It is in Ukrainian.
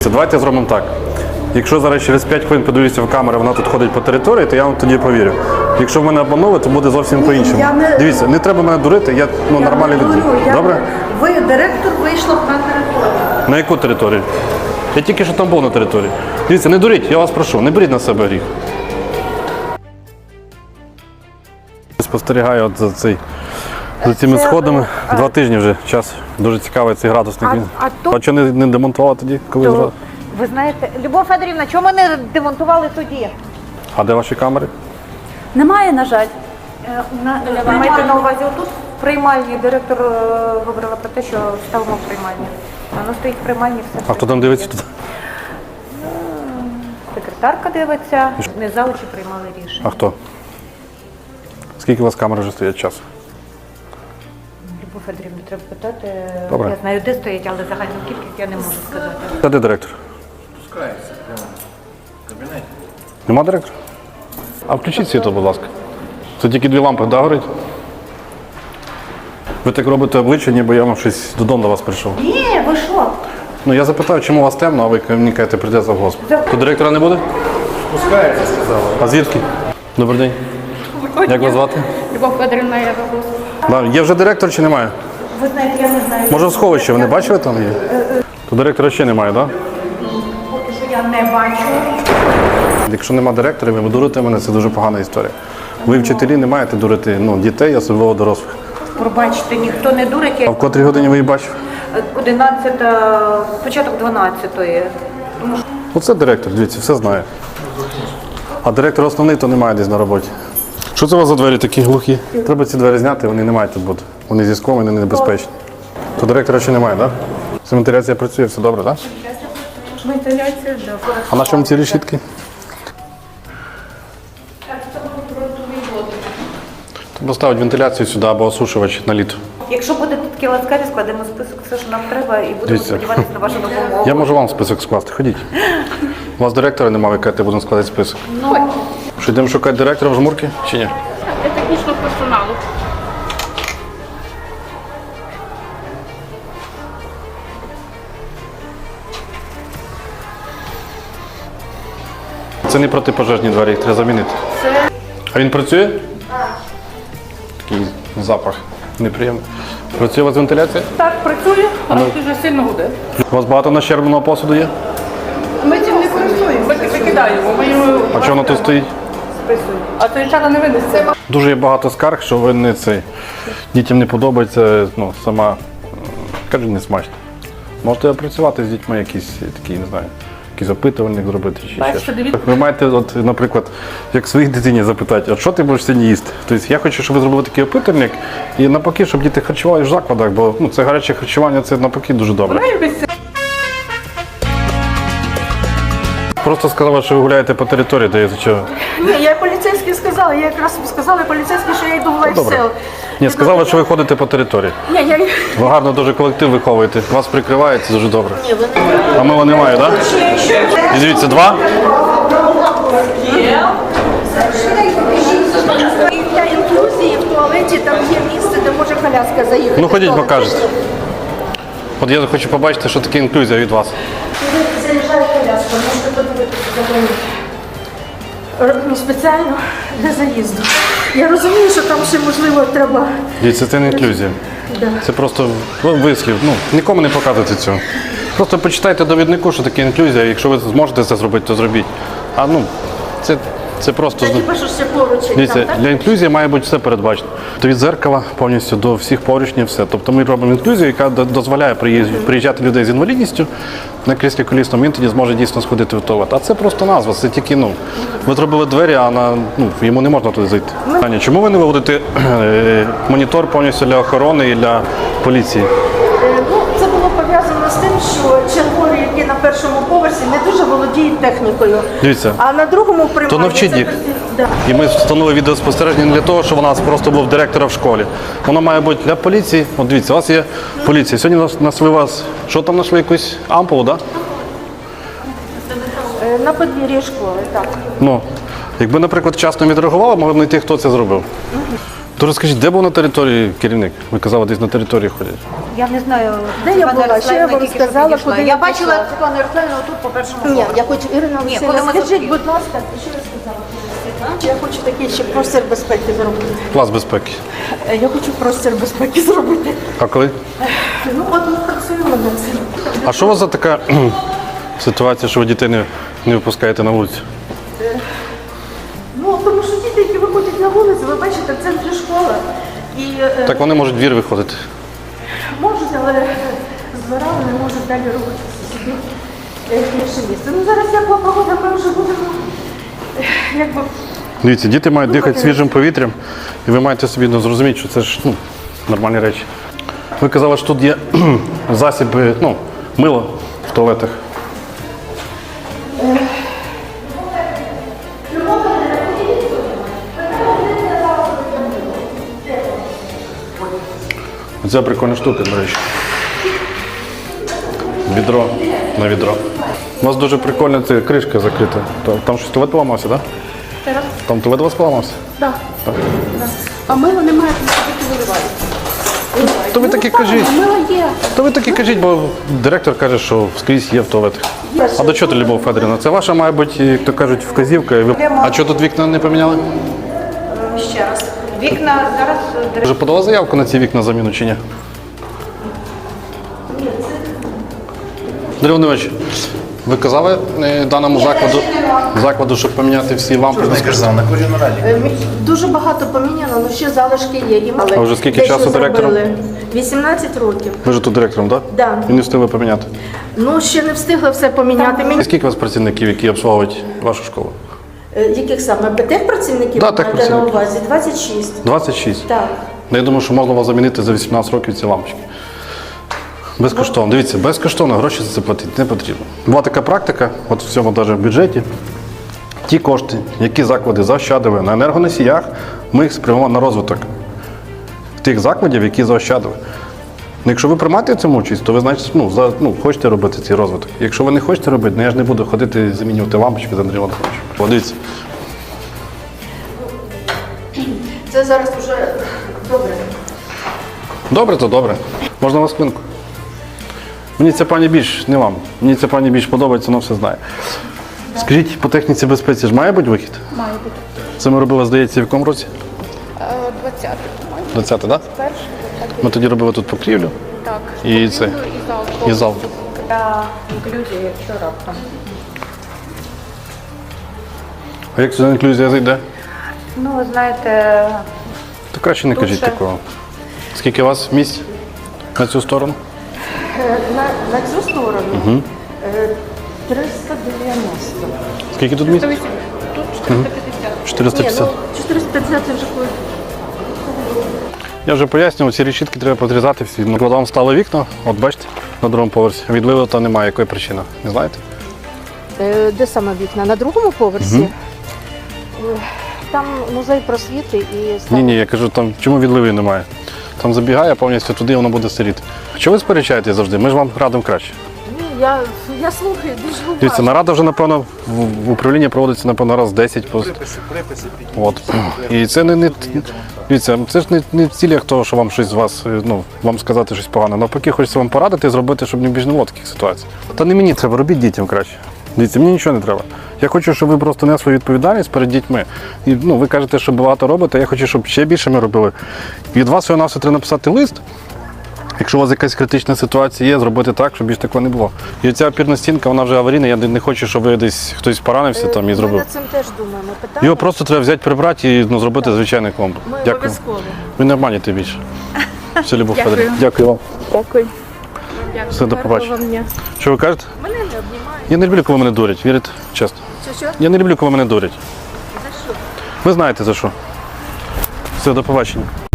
Давайте зробимо так. Якщо зараз через 5 хвилин подивлюся в камеру, вона тут ходить по території, то я вам тоді повірю. Якщо в мене обманули, то буде зовсім по-іншому. Дивіться, не треба мене дурити, я нормальний людина. Добре? Ви директор вийшла на територію. На яку територію? Я тільки що там був на території. Дивіться, не дуріть, я вас прошу, не беріть на себе гріх. Спостерігаю от за цими сходами. 2 тижні вже час. Дуже цікавий цей градусник. А чого не демонтували тоді, коли зразу? Ви знаєте, Любов Федорівна, чому ми не демонтували тоді? А де ваші камери? Немає, на жаль. Ви маєте на увазі отут в приймальні. Директор говорила про те, що ставимо в приймальні. Воно стоїть в приймальні, все. А хто там дивиться тут? Секретарка дивиться, не завучі приймали рішення. А хто? Скільки у вас камер вже стоять часу? Любов Федорівна, треба питати. Добре. Я знаю, де стоять, але загальну кількість я не можу сказати. Та де директор? Спускається прямо в кабінеті. Нема директора? А включіть світло, будь ласка. Це тільки 2 лампи, да, горить? Ви так робите обличчя, ніби я вам щось додому до вас прийшов. Ні, ви що? Ну я запитав, чому у вас темно, а ви мені кажете, прийде завгосп. То директора не буде? Спускається, сказала. А звідки? Добрий день. Як вас звати? Любов Федорівна, я вас. Да, є вже директор чи немає? Ви знаєте, я не знаю. Може в сховищі, ви не бачили там є? То директора ще немає, так? Да? Поки що я не бачу. Якщо нема директора, ви дурите мене, це дуже погана історія. Ви вчителі не маєте дурити дітей, особливо дорослих. Пробачте, ніхто не дурить. А в котрій годині ви її бачив? 11, початок 12-ї. Оце директор, дивіться, все знає. А директор основний, то немає десь на роботі. Що це у вас за двері такі глухі? Треба ці двері зняти, вони не мають тут бути. Вони зі склом, вони небезпечні. То директора ще немає, так? Да? Вентиляція працює, все добре, так? Да? Вентиляція, да. А на чому ці решітки? Поставить вентиляцію сюди або осушувач на літо. Якщо будете такі ласкаві, складемо список все, що нам треба, і будемо Дивіться. сподіватися на вашу допомогу. Я можу вам список скласти, ходіть. У вас директора немає, ви кажете, будемо складати список. Що, йдемо шукати директора в жмурки чи ні? Для технічного персоналу. Це не протипожежні двері, їх треба замінити. А він працює? Так. Такий запах неприємний. Працює у вас вентиляція? Так, працює, але дуже сильно гуде. У вас багато нащербленого посуду є? Ми цим не користуємося. Ми викидаємо, ми його А чого воно тут стоїть? списуємо. А це чара не винесе. Дуже є багато скарг, що ви не цей. Дітям не подобається, сама, кажуть, не смачно. Можете опрацювати з дітьми якісь такі, не знаю, якийсь опитувальник зробити чи ще Бачите, щось. дивіться. Ви маєте, от, наприклад, як своїй дитині запитати, от що ти будеш сьогодні їсти? Тобто я хочу, щоб ви зробили такий опитувальник і навпаки, щоб діти харчували в закладах, бо це гаряче харчування, це навпаки дуже добре. Просто сказала, що ви гуляєте по території, де чого. Ні, я поліцейський сказала, я якраз сказала поліцейський, що я йду в Добре. лайфсел. Ні, сказала, що ви ходите по території. Ні, я... Ви гарно дуже колектив виховуєте. Вас прикривають, це дуже добре. А мила немає, так? І дивіться, 2. І для інклюзії в туалеті там є місце, де може коляска заїхати. Ну ходіть, покажете. От я хочу побачити, що таке інклюзія від вас. Заїжджає коляска, можете подивитися за нею. Робимо спеціально для заїзду. Я розумію, що там ще, можливо, треба... Дивіться, це не інклюзія. Це просто вислів. Нікому не показуйте цього. Просто почитайте довіднику, що таке інклюзія. Якщо ви зможете це зробити, то зробіть. А це просто... Це хіба що ще поручень Дивіться, там, так? для інклюзії має бути все передбачено. То від дзеркала повністю до всіх поручнів, все. Тобто ми робимо інклюзію, яка дозволяє приїжджати людей з інвалідністю на кріслі колісному, він тоді зможе дійсно сходити в туалет. А це просто назва, це тільки, ви зробили двері, а йому не можна туди зайти. Аня, чому ви не виводите монітор повністю для охорони і для поліції? Це було пов'язано з тим, що чергові, які на першому поверсі, не дуже володіють технікою. Дивіться. А на другому приймальні... То навчіть це їх. просто- Да. І ми встановили відеоспостереження не для того, щоб у нас просто був директора в школі. Воно має бути для поліції. От дивіться, у вас є поліція. Сьогодні знайшли вас, що там знайшли, якусь ампулу, так? На подвір'ї школи, так. Якби, наприклад, вчасно відреагували, могли б знайти, хто це зробив. То розкажіть, де був на території керівник? Ви казали, десь на території ходять. Я не знаю, Де я Світлана була? Ще я Ярославівна вам тільки що сказала, підійшла. куди Я я бачила пішла. Світлану Ярославівну тут по першому Ні, поверху. я хочу, Ірина коли Олексійовна, ми скажіть, зустрілись. будь ласка, що ви сказала? Я хочу такий ще простір безпеки зробити. Клас безпеки. Я хочу простір безпеки зробити. А коли? Ну, от ми працюємо над цим. А що у вас за така ситуація, що ви дітей не випускаєте на вулицю? Ну, тому що діти, які виходять на вулицю, ви бачите, в центрі школа. І Так вони можуть в двір виходити. можуть, але з двора вони можуть далі рухатися собі в інше місце. Ну, зараз як погода, ми вже будемо, якби, Дивіться, діти мають дихати свіжим повітрям, і ви маєте собі зрозуміти, що це ж нормальні речі. Ви казали, що тут є засіби, мило в туалетах. Це прикольна штука, до речі. Відро на відро. У вас дуже прикольна ця кришка закрита. Там щось туалет поламався, так? Да? Там туалет у вас поламався? так. А мило немає, тому що тільки виливають. То ви таки кажіть. А мило є. То ви таки кажіть, бо директор каже, що скрізь є в туалетах. А до чого ти, Любов Федорівна? Це ваша, має бути, як то кажуть, вказівка. А чого тут вікна не поміняли? Ще раз. Вікна зараз Вже подала заявку на ці вікна заміну чи ні? Андрій Володимирович, ви казали даному закладу, щоб поміняти всі лампи? Я сказав, на кожній раді. Дуже багато поміняно, але ще залишки є. І А вже скільки дещо часу директором? зробили. 18 років. Ви ж тут директором, так? Да. І не встигли поміняти. Ну, ще не встигли все поміняти. І скільки у вас працівників, які обслуговують вашу школу? Яких саме? Техпрацівників Да, маєте на техпрацівників. увазі? 26. 26. Так. Ну, я думаю, що можна вас замінити за 18 років ці лампочки. Безкоштовно. Дивіться, безкоштовно гроші за це платити не потрібно. Була така практика, от в цьому навіть в бюджеті. Ті кошти, які заклади заощадили на енергоносіях, ми їх спрямуємо на розвиток тих закладів, які заощадили. Ну, якщо ви приймаєте в цьому участь, то ви значить, хочете робити цей розвиток. Якщо ви не хочете робити, я ж не буду ходити замінювати лампочки з Андрієм Володимировичем. О, дивіться. Це зараз вже добре. Добре, то добре. Можна вас хвилинку? Мені ця пані більш, не вам, мені ця пані більш подобається, вона все знає. Скажіть, по техніці безпеці ж має бути вихід? Має бути. Це ми робили, здається, в якому році? 20-й. 20-й, так? Перший. Ми тоді робили тут покрівлю Так. і це, І зал. і зал. для інклюзії, якщо раптом. А як сюди інклюзія зайде? Ну, ви знаєте, То краще не кажіть ще. такого. Скільки у вас місць на цю сторону? На цю сторону 390. Скільки тут місць? Тут 450. 450. 450 це вже коли. Я вже пояснював, ці решітки треба подрізати всі. Ну, коли вам стали вікна, от бачите, на другому поверсі, відливу то немає. Якої причини? Не знаєте? Де саме вікна? На другому поверсі? Там музей просвіти і Ні, я кажу, там чому відливи немає? Там забігає повністю туди, воно буде сиріти. Чого ви сперечаєтесь завжди? Ми ж вам радимо краще. Ні, я слухаю, дуже уважно. Дивіться, нарада вже, напевно, в управлінні проводиться, напевно, раз 10. Приписи От. І це дивіться, це ж не в цілях того, що вам щось з вас, вам сказати щось погане. Навпаки, хочеться вам порадити, зробити, щоб не більш не було таких ситуацій. Та не мені треба, робіть дітям краще. Дивіться, мені нічого не треба. Я хочу, щоб ви просто несли відповідальність перед дітьми. І ви кажете, що багато робите, я хочу, щоб ще більше ми робили. Від вас всього нас треба написати лист. Якщо у вас якась критична ситуація є, зробити так, щоб більше такого не було. І ця опірна стінка, вона вже аварійна, я не хочу, щоб ви десь хтось поранився там і Ми зробив. над цим теж думаємо. Питання Його просто треба взяти, прибрати і зробити звичайний кломб. ми Дякую. обов'язково. Ви не обманюєте більше. Все, Любов Дякую. Федорівна. Дякую вам. Дякую. Все, до побачення. Гарного вам дня. Що ви кажете? Мене не обнімають. Я не люблю, коли мене дурять, вірите? Чесно. Що? Я не люблю, коли мене дурять. За що? Ви знаєте за що. Все, до побачення.